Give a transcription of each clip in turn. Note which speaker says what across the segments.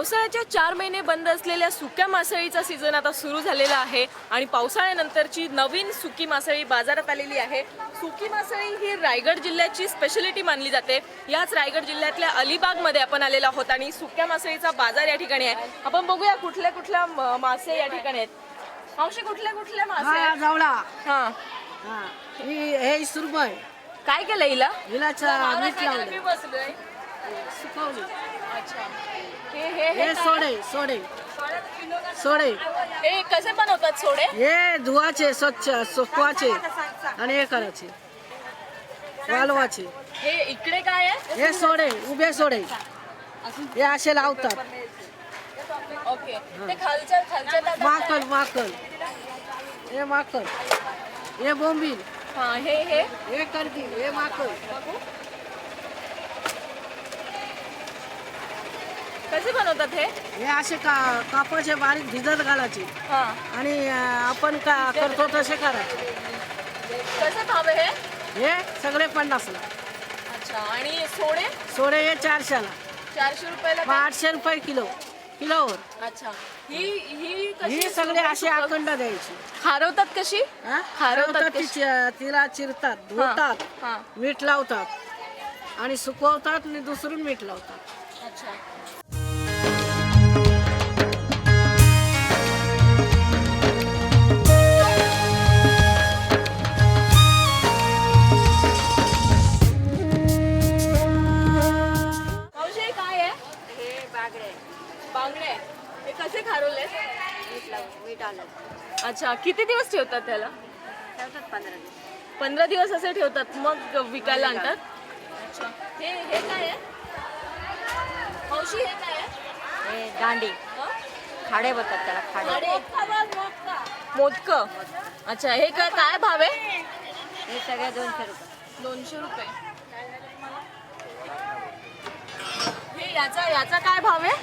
Speaker 1: पावसाळ्याच्या 4 महिने बंद असलेल्या सुक्या मासळीचा सीझन आता सुरू झालेला आहे आणि पावसाळ्यानंतरची नवीन सुकी मासळी बाजारात आलेली आहे। सुकी मासळी ही रायगड जिल्ह्याची स्पेशलिटी मानली जाते। याच रायगड जिल्ह्यातल्या अलिबागमध्ये आपण आलेलो आहोत आणि सुक्या मासळीचा बाजार या ठिकाणी आहे। आपण बघूया कुठल्या कुठल्या मासे या ठिकाणी आहेत। मावशी कुठल्या कुठल्या मासे आहेत?
Speaker 2: जावळा
Speaker 1: हां
Speaker 2: हे सुरमई
Speaker 1: काय केलं हिला?
Speaker 2: हिलाचा मीठ लावलं
Speaker 1: मी बसलोय।
Speaker 2: सुकवली
Speaker 1: अच्छा हे हे हे
Speaker 2: हे
Speaker 1: काय?
Speaker 2: सोडे
Speaker 1: हे कसे बनवतात सोडे?
Speaker 2: हे धुवाचे स्वच्छ सुकवाचे आणि हे करायचे वालवाचे।
Speaker 1: हे इकडे काय आहे?
Speaker 2: हे सोडे उभे सोडे हे असे लावतात।
Speaker 1: ओके ते खालच्या खालच्या ताटात
Speaker 2: माकल माकल हे माकल हे बोंबील
Speaker 1: हां हे
Speaker 2: हे करदी हे माकल
Speaker 1: कसे बनवतात हे?
Speaker 2: हे असे कापाचे बारीक भिजत घालायचे
Speaker 1: हां
Speaker 2: आणि आपण करतो तसे करायचे।
Speaker 1: कसे भाव आहे हे?
Speaker 2: हे सगळे 50ला।
Speaker 1: अच्छा आणि सोडे
Speaker 2: सोडे हे 400ला
Speaker 1: 400 रुपयाला
Speaker 2: मग
Speaker 1: काय?
Speaker 2: 800 रुपये किलोवर।
Speaker 1: अच्छा ही कशी
Speaker 2: ही सगळे असे अखंड द्यायची।
Speaker 1: हरवतात कशी?
Speaker 2: हा?
Speaker 1: हरवतात
Speaker 2: हरवतात
Speaker 1: कशी?
Speaker 2: तिला चिरतात धुतात
Speaker 1: हां
Speaker 2: मीठ लावतात आणि सुकवतात आणि दुसरून मीठ लावतात।
Speaker 1: अच्छा मावशी हे काय आहे?
Speaker 3: हे बागडे
Speaker 1: बांगडे हे कसे खारवले?
Speaker 3: मीठ आलं
Speaker 1: अच्छा किती दिवस ठेवतात त्याला?
Speaker 3: ठेवतात 15 दिवस
Speaker 1: 15 दिवस असे ठेवतात मग विकायला आणतात। अच्छा हे काय आहे? मावशी हे काय आहे?
Speaker 3: हे दांडी
Speaker 1: हं?
Speaker 3: खाडे बोलतात त्याला खाडे
Speaker 1: मोदक अच्छा हे काय भाव आहे?
Speaker 3: हे सगळे 200 रुपये
Speaker 1: 200 रुपये हे याचा काय भाव आहे?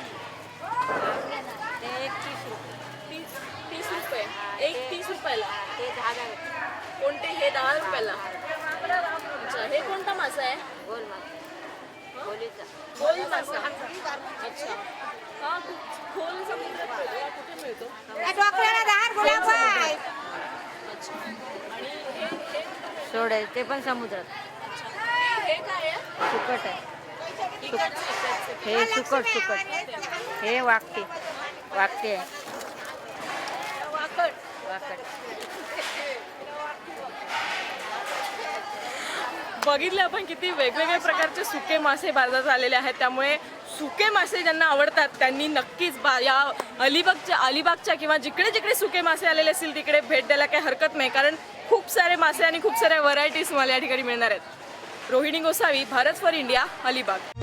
Speaker 3: ते 30 रुपये
Speaker 1: 30 रुपये एक 30 रुपयाला
Speaker 3: ते 10 रुपये
Speaker 1: कोणते हे 10 रुपयाला अच्छा हे कोणता मासा आहे?
Speaker 3: गोल मासा गोलीचा
Speaker 1: गोल मासा अच्छा हा खोल समुद्रात मिळतो कुठे मिळतो? अच्छा आणि हे
Speaker 3: सोडे ते पण समुद्रात
Speaker 1: हे काय आहे?
Speaker 3: सुकट आहे
Speaker 1: इकडचं.
Speaker 3: हे सुकट हे वाकटे आहे
Speaker 1: वाकड
Speaker 3: वाकट
Speaker 1: बघितले आपण किती वेगवेगळ्या प्रकारचे सुके मासे बाजारात आलेले आहेत। त्यामुळे सुके मासे ज्यांना आवडतात त्यांनी नक्कीच या अलिबागच्या किंवा जिकडे जिकडे सुके मासे आलेले असतील तिकडे भेट द्यायला काही हरकत नाही, कारण खूप सारे मासे आणि खूप साऱ्या व्हरायटीज मला या ठिकाणी मिळणार आहेत। Rohini Gosavi, Bharat for India, Alibag.